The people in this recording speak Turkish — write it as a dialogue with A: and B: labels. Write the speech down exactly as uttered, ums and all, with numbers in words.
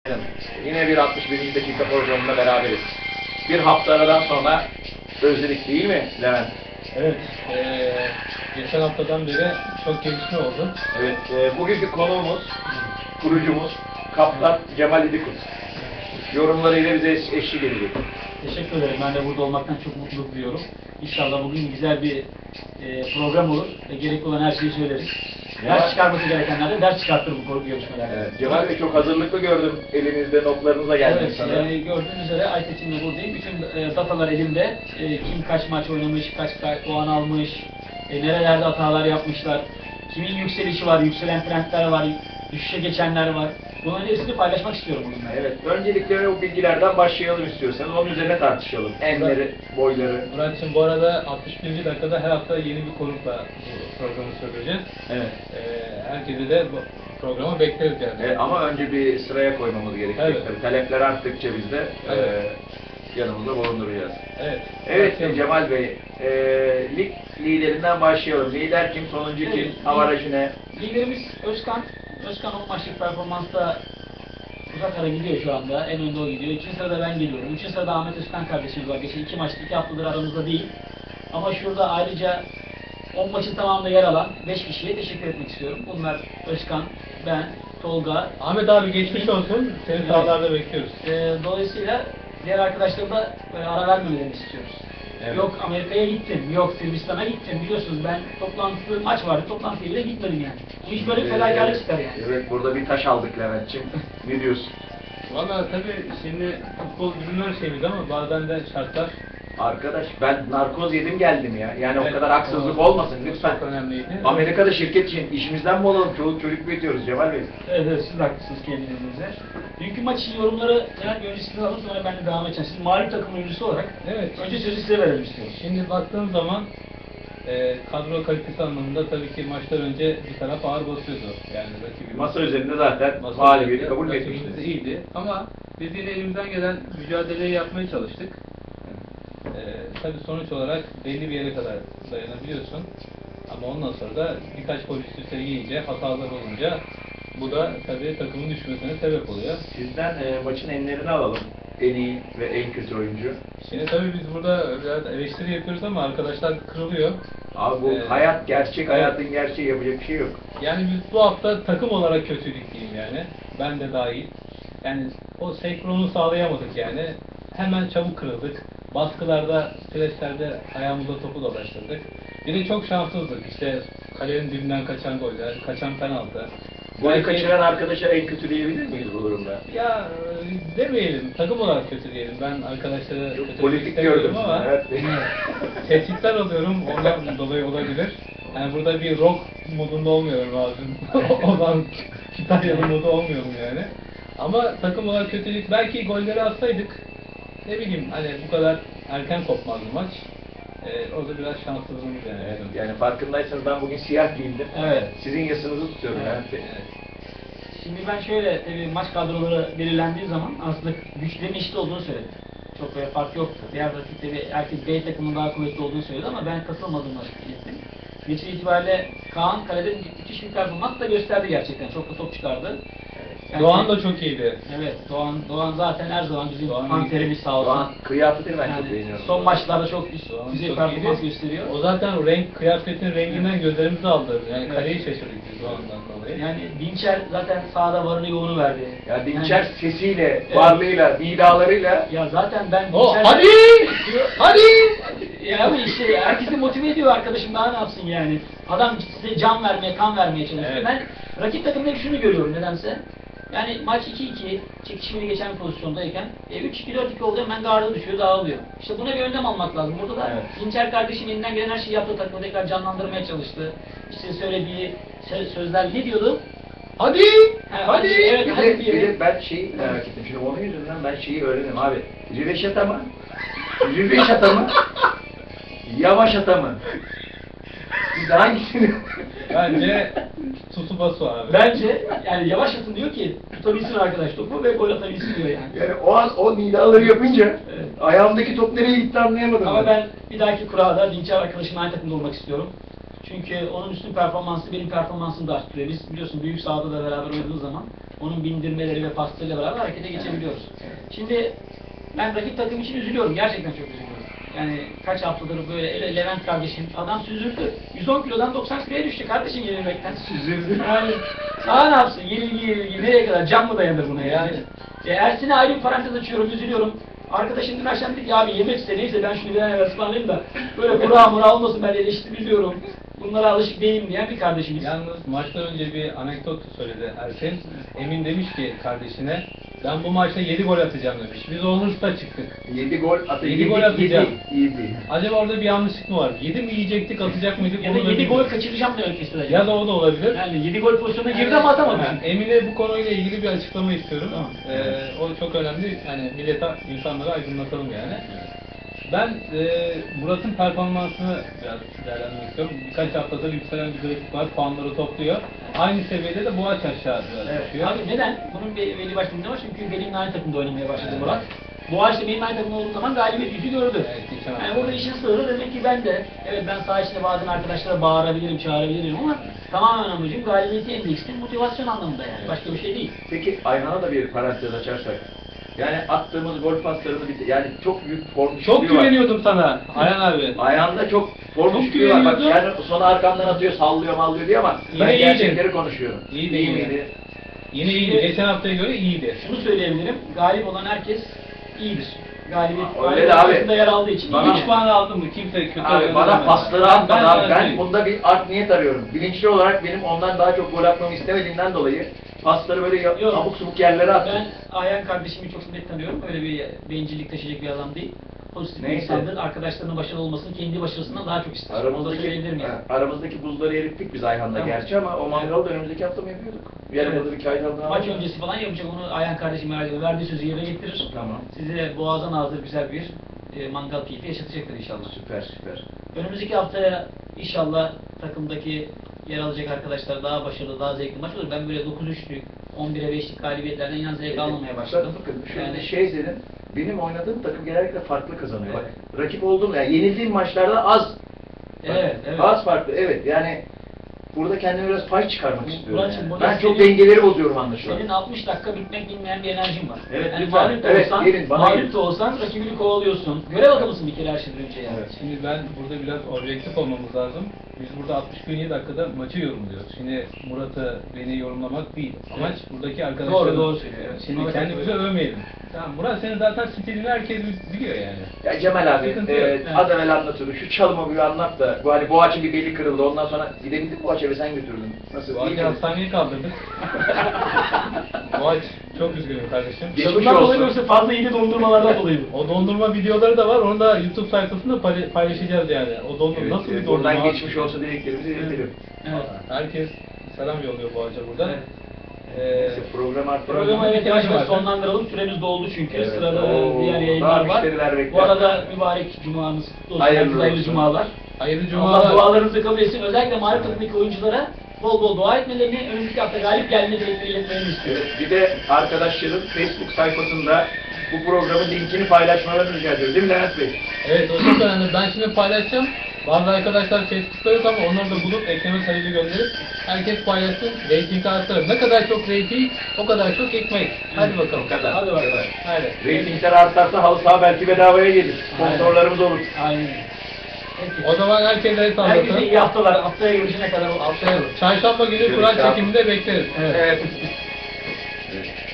A: Yine bir altmış birinci dakika programında beraberiz. Bir hafta aradan sonra özledik değil mi Levent?
B: Evet, ee, geçen haftadan beri çok gelişme oldu.
A: Evet, e, bugünkü konuğumuz, kurucumuz Kaptan Cemal İdikut. Yorumlarıyla bize eş, eşlik edecek.
C: Teşekkür ederim. Ben de burada olmaktan çok mutluluk duyuyorum. İnşallah bugün güzel bir e, program olur ve gerekli olan her şeyi söyleriz.
A: Ya.
C: Ders çıkarması gerekenler de ders çıkartır bu konu görüşmelerde.
A: Evet, Cemal Bey çok hazırlıklı gördüm. Elinizde notlarınıza geldim
C: Evet,
A: sana.
C: e, gördüğünüz üzere Aytekin'le buradayım. Bütün e, datalar elimde. E, kim kaç maç oynamış, kaç, kaç puan almış, e, nerelerde hatalar yapmışlar, kimin yükselişi var, yükselen trendler var, düşüşe geçenler var. Bunların hepsini paylaşmak istiyorum bununla.
A: Evet, öncelikle o bilgilerden başlayalım istiyorsanız. Onun üzerine tartışalım. Enleri, boyları.
B: Murat'cığım bu arada altmış birinci dakikada her hafta yeni bir konukla bu programı söyleyeceğiz.
A: Evet.
B: Ee, herkese de bu programı bekleriz yani.
A: Evet, ama önce bir sıraya koymamız gerekecek.
B: Evet.
A: Tabii, talepler arttıkça biz de
B: Evet.
A: e, yanımızda bulunduracağız.
B: Evet.
A: Evet
B: Başlayalım.
A: Cemal Bey, e, lig liderinden başlayalım. Lider kim, sonuncu kim,
C: Evet.
A: avarajı ne?
C: Liderimiz Özkan. Özkan o maçlık performansta uzak ara gidiyor şu anda. En önde o gidiyor. İkinci sırada ben geliyorum. Üçüncü sırada Ahmet Özkan kardeşimiz var. Geçen iki maçta iki haftadır aramızda değil. Ama şurada ayrıca on maçın tamamında yer alan beş kişiye teşekkür etmek istiyorum. Bunlar Özkan, ben, Tolga.
B: Ahmet abi geçmiş olsun. Seni
C: Evet.
B: sahalarda bekliyoruz.
C: Ee, dolayısıyla diğer arkadaşlarıma da böyle ara vermemelerini istiyoruz.
A: Evet.
C: Yok Amerika'ya gittim, yok Sırbistan'a gittim. Biliyorsunuz ben toplantı, maç vardı, toplantıya bile gitmedim yani. Bu iş böyle bir fedakarlık çıkar yani.
A: Evet, burada bir taş aldık Levent'ciğim. Ne diyorsun?
B: Valla tabii şimdi futbol bizim her şeyimiz ama bazen de şartlar
A: Arkadaş ben narkoz yedim geldim ya. Yani
B: Evet,
A: o kadar haksızlık
B: o-
A: olmasın lütfen.
B: çok önemliydi.
A: Amerika'da şirket için işimizden mi olalım? Çoluk çocuk büyütüyoruz Cemal Bey.
C: Evet, evet, siz de haklısınız kendinizde. Dünkü maç için yorumları Levent öncesinde alalım, sonra ben de devam edeceğim. Siz mağlup takım oyuncusu olarak
B: Evet.
C: önce sözü size verelim istiyoruz.
B: Şimdi baktığım zaman e, kadro kalitesi anlamında tabii ki maçtan önce bir taraf ağır basıyordu. Yani rakibimiz.
A: Masa üzerinde zaten
B: Masa
A: mağlubiyeti
B: üzerinde
A: kabul
B: rakibimiz
A: etmiştiniz.
B: iyiydi. Ama biz yine elimizden gelen mücadeleyi yapmaya çalıştık. E, tabii sonuç olarak belli bir yere kadar dayanabiliyorsun. Ama ondan sonra da birkaç gol üst üste yiyince, hatalar olunca bu da tabii takımın düşmesine sebep oluyor.
A: Sizden e, maçın enlerini alalım. En iyi ve en kötü oyuncu.
B: Şimdi tabii biz burada biraz eleştiri yapıyoruz ama arkadaşlar kırılıyor.
A: Abi bu
B: Ee,
A: hayat gerçek,
B: evet.
A: hayatın gerçeği, yapacak bir şey yok.
B: Yani biz bu hafta takım olarak kötüydük diyeyim yani. Ben de dahil. Yani o senkronu sağlayamadık yani. Hemen çabuk kırıldık. Baskılarda, preslerde ayağımıza topu dolaştırdık. Bir de çok şanssızdık. İşte kalenin dibinden kaçan goller, kaçan penaltı.
A: Golü
B: Belki-
A: kaçıran arkadaşa en kötü diyebilir miyiz bu durumda?
B: Ya e, demeyelim, takım olarak kötü diyelim. Ben arkadaşlara
A: Çok
B: kötülemek
A: politik
B: istemiyorum
A: gördüm
B: ama
A: sizi, evet.
B: tehditler alıyorum, ondan dolayı olabilir. Yani burada bir rock modunda olmuyorum lazım. O zaman Kütahyalı modu olmuyorum yani. Ama takım olarak kötülük, belki golleri atsaydık, ne bileyim hani bu kadar erken kopmazdı maç. Ee, orada biraz şanssızlığımız yani.
A: Evet, yani farkındaysanız ben bugün siyah giyindim.
C: Evet.
A: Sizin yasınızı tutuyorum
B: Evet,
A: yani.
B: evet.
C: Şimdi ben şöyle, tabii maç kadroları belirlendiği zaman aslında güçlerin eşit olduğunu söyledi. Çok böyle fark yoktu. Diğer rakipleri herkes B takımının daha kuvvetli olduğunu söyledi ama ben katılmadığımı ettim. Netice itibariyle Kaan kalede müthiş bir performans da gösterdi gerçekten. Çok da top çıkardı. Yani-
B: Doğan da çok iyiydi.
C: Evet, Doğan Doğan zaten her zaman bizim
B: Doğan
C: panterimiz sağ olsun.
A: Doğan kıyafetini ben çok
C: Yani
A: beğeniyorum.
C: son maçlarda çok üst
B: Doğan
C: düzey
B: çok
C: performans
B: iyiydi.
C: gösteriyor.
B: O zaten renk, kıyafetin renginden gözlerimizi aldı. Yani
C: Evet.
B: kaleyi şaşırdık biz Doğan'dan dolayı.
C: Yani Dinçer zaten sahada varını yoğunu verdi.
A: Ya Dinçer
C: Yani-
A: sesiyle,
C: Evet.
A: varlığıyla, nidalarıyla
C: Ya zaten ben
B: O
C: Dinçer'le-
B: hadi! Hadi!
C: Ya ama işte herkesi motive ediyor arkadaşım, daha ne yapsın yani. Adam size can vermeye, kan vermeye çalışıyor.
B: Evet.
C: Ben rakip takımda hep şunu görüyorum nedense. Yani maç iki iki, çekişmeli geçen bir pozisyondayken e, üç iki dört iki oldu, hemen garda düşüyor, dağılıyor. İşte buna bir önlem almak lazım. Burada da
A: Evet.
C: Dinçer kardeşim elinden gelen her şeyi yaptı, takımı tekrar canlandırmaya çalıştı. İşte söylediği sö- sözler ne diyordu?
B: Hadi!
C: Ha,
B: Hadi!
C: evet,
A: bir
C: hadi
A: de, bir
C: diyelim.
A: de ben şeyi merak ettim. Şimdi onun yüzünden ben şeyi öğrendim abi. Riveşata mı? Riveşata mı? Yavaşata mı? Siz hangisini?
B: Bence Tsubasa abi.
C: Bence yani yavaş atın diyor ki tutabilsin arkadaş topu ve gol atabilsin diyor yani.
A: Yani o an o nidaları yapınca
C: Evet.
A: ayağımdaki top nereye gitti anlayamadım.
C: Ama ben bir dahaki kurada Dinçer arkadaşımla aynı takımda olmak istiyorum. Çünkü onun üstün performansı benim performansımı da arttırıyor. Biz biliyorsun büyük sahada da beraber oynadığımız zaman onun bindirmeleri ve paslarıyla beraber harekete geçebiliyoruz. Şimdi ben rakip takım için üzülüyorum. Gerçekten çok üzülüyorum. Yani kaç haftadır böyle ele Levent kardeşim adam süzüldü. yüz on kilodan doksan kiloya düştü kardeşim yenilmekten.
A: Süzüldü.
C: Yani daha ne yapsın? Yenilgi yenilgi nereye kadar? Can mı dayanır buna yani? E, Ersin'e ayrı bir parantez açıyorum, üzülüyorum. Arkadaşım dün akşam dedi ki abi yemek iste neyse ben şunu bir an evvel ısmarlayayım da böyle kura mura olmasın ben eleştiriliyorum. Bunlara alışık değilim diyen bir kardeşimiz.
B: Yalnız maçtan önce bir anekdot söyledi Ersin. Emin demiş ki kardeşine, ben bu maçta yedi gol atacağım demiş. Biz olursa çıktık.
A: yedi gol atı.
B: yedi gol atacağım.
A: yedi.
B: Acaba orada bir yanlışlık mı var? yedi mi yiyecektik, atacak mıydık?
C: Ya da
B: Onu da
C: yedi gol
B: bilmiyorum.
C: kaçıracağım demek istedi.
B: Ya da o da olabilir.
C: Yani yedi gol pozisyonuna girdi ama atamadı.
B: Yani Emin'e bu konuyla ilgili bir açıklama istiyorum.
C: Tamam.
B: Ee, o çok önemli. Yani millete, insanlara aydınlatalım yani. Ben e, Murat'ın performansını biraz değerlendirmek istiyorum. Birkaç haftadır yükselen bir grafik var. Puanları topluyor. Aynı seviyede de Boğaç aşağı biraz
C: Evet.
B: düşüyor.
C: Abi neden? Bunun bir belli başlı nedeni var çünkü benimle aynı takımda oynamaya başladı Murat. Boğaç'ta benim aynı takımda olduğum zaman galibiyet yüzü gördü.
B: Evet, geçen
C: Yani
B: hafta.
C: burada işin sırrı demek ki ben de, evet ben saha içinde bazen arkadaşlara bağırabilirim, çağırabilirim ama tamamen amacım galibiyeti endeksli motivasyon anlamında yani. Başka bir şey değil.
A: Peki Ayhan'a da bir parantez açarsak. Yani attığımız gol paslarını bir yani çok büyük form
B: Çok
A: düşüklüğü var.
B: güveniyordum sana Ayhan abi.
A: Ayağında çok form
B: Çok
A: düşüklüğü var. Bak
B: güveniyordum.
A: yani sonra arkamdan atıyor, sallıyor, mallıyor diyor ama
B: Yine
A: ben
B: iyiydi.
A: gerçekleri konuşuyorum.
B: İyiydi,
A: İyi
B: iyiydi.
A: miydi?
B: Yine iyiydi. Geçen haftaya göre iyiydi.
C: Şunu söyleyebilirim, galip olan herkes iyidir. Galibiyet
A: Aa, öyle de abi.
C: arasında yer aldığı için
A: Bana-
B: üç puan aldın mı? Kimse kötü
A: Abi
B: oynamadı
A: bana
B: demedi.
A: pasları atmadı
B: Ben
A: abi.
B: sana
A: Ben
B: söyleyeyim.
A: bunda bir art niyet arıyorum. Bilinçli olarak benim ondan daha çok gol atmamı istemediğimden dolayı pasları böyle ya-
C: Yok.
A: abuk subuk yerlere attım.
C: Ben Ayhan kardeşimi çok net tanıyorum. Öyle bir bencillik taşıyacak bir adam değil. Pozitif bir
A: Neyse.
C: insandır. Arkadaşlarının başarılı olmasını kendi başarısından daha çok ister. Onu da
A: Aramızdaki,
C: söyleyebilirim yani.
A: ha, aramızdaki buzları erittik biz Ayhan'la
C: Tamam.
A: gerçi ama o mangalı da önümüzdeki hafta mı yapıyorduk? Yarın
C: Evet.
A: burada bir kayıt aldığını
C: Maç
A: anladım.
C: öncesi falan yapacak onu Ayhan kardeşim merak ediyor. Verdiği sözü yerine getirir.
A: Tamam.
C: Size boğazdan ağzı güzel bir e, mangal keyfi yaşatacaktır inşallah.
A: Süper süper.
C: Önümüzdeki haftaya inşallah takımdaki yer alacak arkadaşlar daha başarılı, daha zevkli maç olur. Ben böyle dokuz üçlük, on bire beşlik galibiyetlerden inan zevk almamaya başladım.
A: Bakın şöyle
C: Yani
A: şey dedim. Benim oynadığım takım genellikle farklı kazanıyor. Bak, rakip olduğum yani yenildiğim maçlarda az.
C: Evet, evet.
A: Az farklı. Evet. Yani burada kendime biraz pay çıkarmak istiyorum.
C: Muratçım,
A: Yani.
C: burada
A: Ben çok
C: senin-
A: dengeleri bozuyorum anlaşılan.
C: Senin altmış dakika bitmek bilmeyen bir enerjin var.
A: Evet,
C: yani
A: lütfen.
C: mağlup da
A: Evet,
C: olsan,
A: gelin, bana
C: mağlup
A: gelin.
C: da olsan rakibini kovalıyorsun. Görev adamısın bir kere her şeyden önce yani.
A: Evet.
B: Şimdi ben burada biraz objektif olmamız lazım. Biz burada altmış bir dakikada maçı yorumluyoruz. Şimdi Murat'ı, beni yorumlamak değil. Amaç buradaki arkadaşlar.
C: Doğru, doğru söylüyor. Evet.
B: Şimdi
C: Ona
B: kendimizi
C: katılıyorum.
B: övmeyelim. Tamam, Murat senin zaten stilini herkes biliyor yani.
A: Ya Cemal abi,
B: Sıkıntı
A: e,
B: yok.
C: Evet.
A: az evvel anlatıyordu. Şu çalımı bir anlat da, bu hani Boğaç'ın bir beli kırıldı. Ondan sonra gidebildik Boğaç'a ve sen götürdün. Nasıl?
B: Bu
A: İyi
B: akşam
A: miydi?
B: hastaneye kaldırdık. Boğaç çok üzgünüm kardeşim.
A: Geçmiş
C: Bundan dolayı
A: olsun.
C: yoksa fazla iyi dondurmalardan dolayı bu.
B: O dondurma videoları da var. Onu da YouTube sayfasında payla- paylaşacağız yani. O dondurma
A: Evet,
B: nasıl bir
A: evet,
B: dondurma?
A: buradan geçmiş olsa dileklerimizi iletelim.
C: Evet.
B: Herkes selam yolluyor Boğaç'a burada.
C: Evet.
B: Ee,
A: Neyse, program artık.
C: Programı evet yavaş yavaş
B: var.
C: sonlandıralım. Süremiz doldu çünkü.
A: Evet.
C: Sırada
A: Oo,
C: diğer
A: daha
C: yayınlar var.
A: müşteriler bekler.
C: Bu arada mübarek cumamız kutlu olsun.
A: Hayırlı
C: Herkese hayırlı
A: olsun.
C: cumalar.
B: hayırlı
C: Allah
B: cumalar.
C: dualarınızı kabul etsin. Özellikle mağlup takımdaki oyunculara bol bol dua etmelerini, önümüzdeki hafta galip gelme dilekleri iletmelerini istiyorum.
A: Evet, bir de arkadaşların Facebook sayfasında bu programın linkini paylaşmalarını rica ediyoruz. Değil mi Levent Bey?
B: Evet o çok önemli. Ben şimdi paylaşacağım. Bazı arkadaşlar Facebook'ta yok ama onları da bulup ekleme sayıcı gönderip herkes paylaşsın. Rating artar. Ne kadar çok rating o kadar çok ekmek. Hadi bakalım.
A: O kadar.
C: Hadi bakalım.
B: Hadi.
A: Ratingler artarsa halı saha belki bedavaya gelir. Sponsorlarımız olur.
C: Aynen. Peki.
B: O zaman herkese el
C: Herkese
B: sallasın.
C: iyi haftalar. Haftaya görüşene kadar.
B: Haftaya çarşamba günü
A: Görüşürüz
B: Kur'an
A: abi.
B: çekiminde bekleriz.
C: Evet.
A: Evet. Evet.